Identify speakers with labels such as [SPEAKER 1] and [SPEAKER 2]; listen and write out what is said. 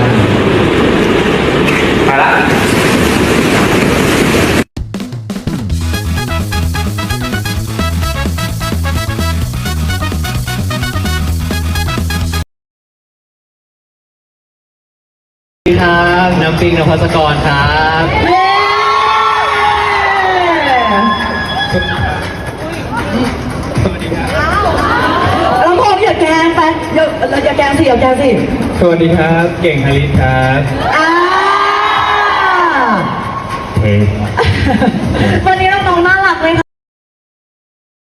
[SPEAKER 1] มาละสวัสดีครับน้ำปิงนภัสกรครับ
[SPEAKER 2] แล้วพออย่าแกงไปอย่าแกงสิอย่าแกงสิ
[SPEAKER 1] สวัสดีครับเก่งฮาริสครับ
[SPEAKER 2] อ่า
[SPEAKER 1] เฮ้ย
[SPEAKER 2] วันนี้